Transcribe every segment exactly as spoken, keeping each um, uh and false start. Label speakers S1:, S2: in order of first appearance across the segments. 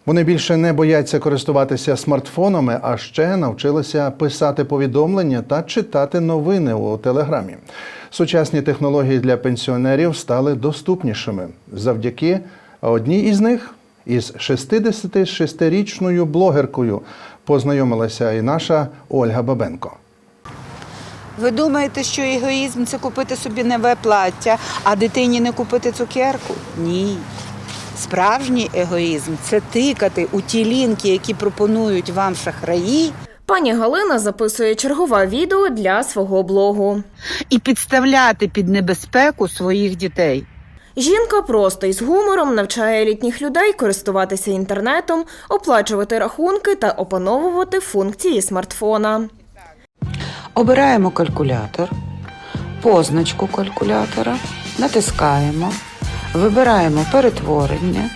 S1: Вони більше не бояться користуватися смартфонами, а ще навчилися писати повідомлення та читати новини у Телеграмі. Сучасні технології для пенсіонерів стали доступнішими. Завдяки одній із них із шістдесятишестирічною блогеркою познайомилася і наша Ольга Бабенко.
S2: Ви думаєте, що егоїзм – це купити собі нове плаття, а дитині не купити цукерку? Ні. Справжній егоїзм – це тикати у ті лінки, які пропонують вам шахраї.
S3: Пані Галина записує чергове відео для свого блогу.
S2: І підставляти під небезпеку своїх дітей.
S3: Жінка просто із гумором навчає літніх людей користуватися інтернетом, оплачувати рахунки та опановувати функції смартфона.
S2: Обираємо калькулятор, позначку калькулятора, натискаємо, вибираємо перетворення,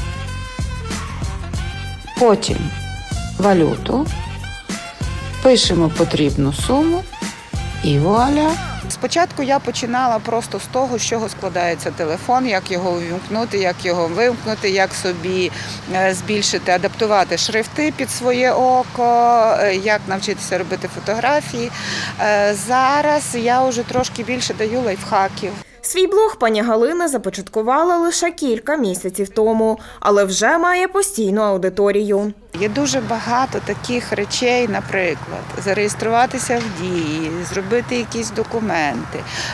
S2: потім валюту, пишемо потрібну суму і вуаля. Спочатку я починала просто з того, з чого складається телефон, як його увімкнути, як його вимкнути, як собі збільшити, адаптувати шрифти під своє око, як навчитися робити фотографії. Зараз я вже трошки більше даю лайфхаків.
S3: Свій блог пані Галина започаткувала лише кілька місяців тому, але вже має постійну аудиторію.
S2: Є дуже багато таких речей, наприклад, зареєструватися в Дії, зробити якісь документи,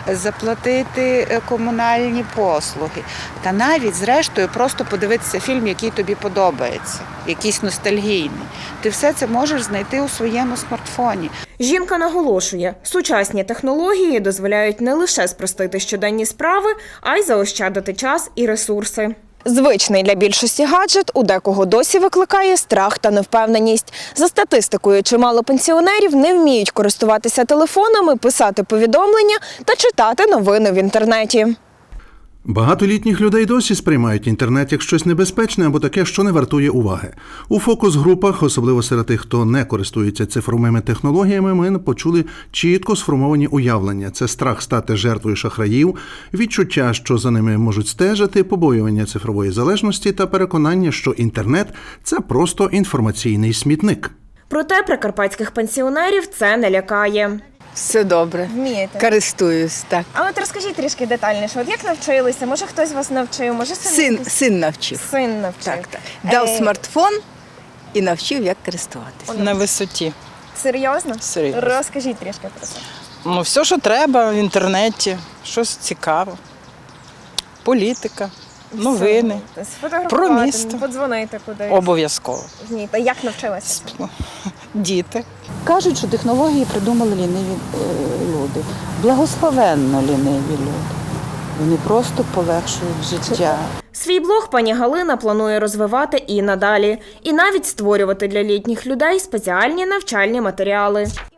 S2: заплатити комунальні послуги. Та навіть, зрештою, просто подивитися фільм, який тобі подобається, якийсь ностальгійний. Ти все це можеш знайти у своєму смартфоні.
S3: Жінка наголошує, сучасні технології дозволяють не лише спростити щоденні справи, а й заощадити час і ресурси. Звичний для більшості гаджет у декого досі викликає страх та невпевненість. За статистикою, чимало пенсіонерів не вміють користуватися телефонами, писати повідомлення та читати новини в інтернеті.
S1: Багато літніх людей досі сприймають інтернет як щось небезпечне або таке, що не вартує уваги. У фокус-групах, особливо серед тих, хто не користується цифровими технологіями, ми почули чітко сформовані уявлення. Це страх стати жертвою шахраїв, відчуття, що за ними можуть стежити, побоювання цифрової залежності та переконання, що інтернет – це просто інформаційний смітник.
S3: Проте прикарпатських пенсіонерів це не лякає.
S4: Все добре.
S5: Вмієте?
S4: Користуюсь, так.
S5: А от розкажіть трішки детальніше, от як навчилися? Може хтось вас навчив, може
S4: Син, син навчив.
S5: син навчив?
S4: Так, так. Дав
S5: Е,
S4: смартфон і навчив, як користуватися.
S6: На висоті.
S5: Серйозно?
S6: Серйозно.
S5: Розкажіть трішки про це.
S6: Ну, все, що треба в інтернеті, щось цікаве. Політика, новини.
S5: Сфотографувати,
S6: Про місто.
S5: подзвонити кудись.
S6: Обов'язково.
S5: Ні, та як навчилася?
S6: Діти.
S7: Кажуть, що технології придумали ліниві е, люди. Благословенно ліниві люди. Вони просто полегшують життя.
S3: Свій блог пані Галина планує розвивати і надалі. І навіть створювати для літніх людей спеціальні навчальні матеріали.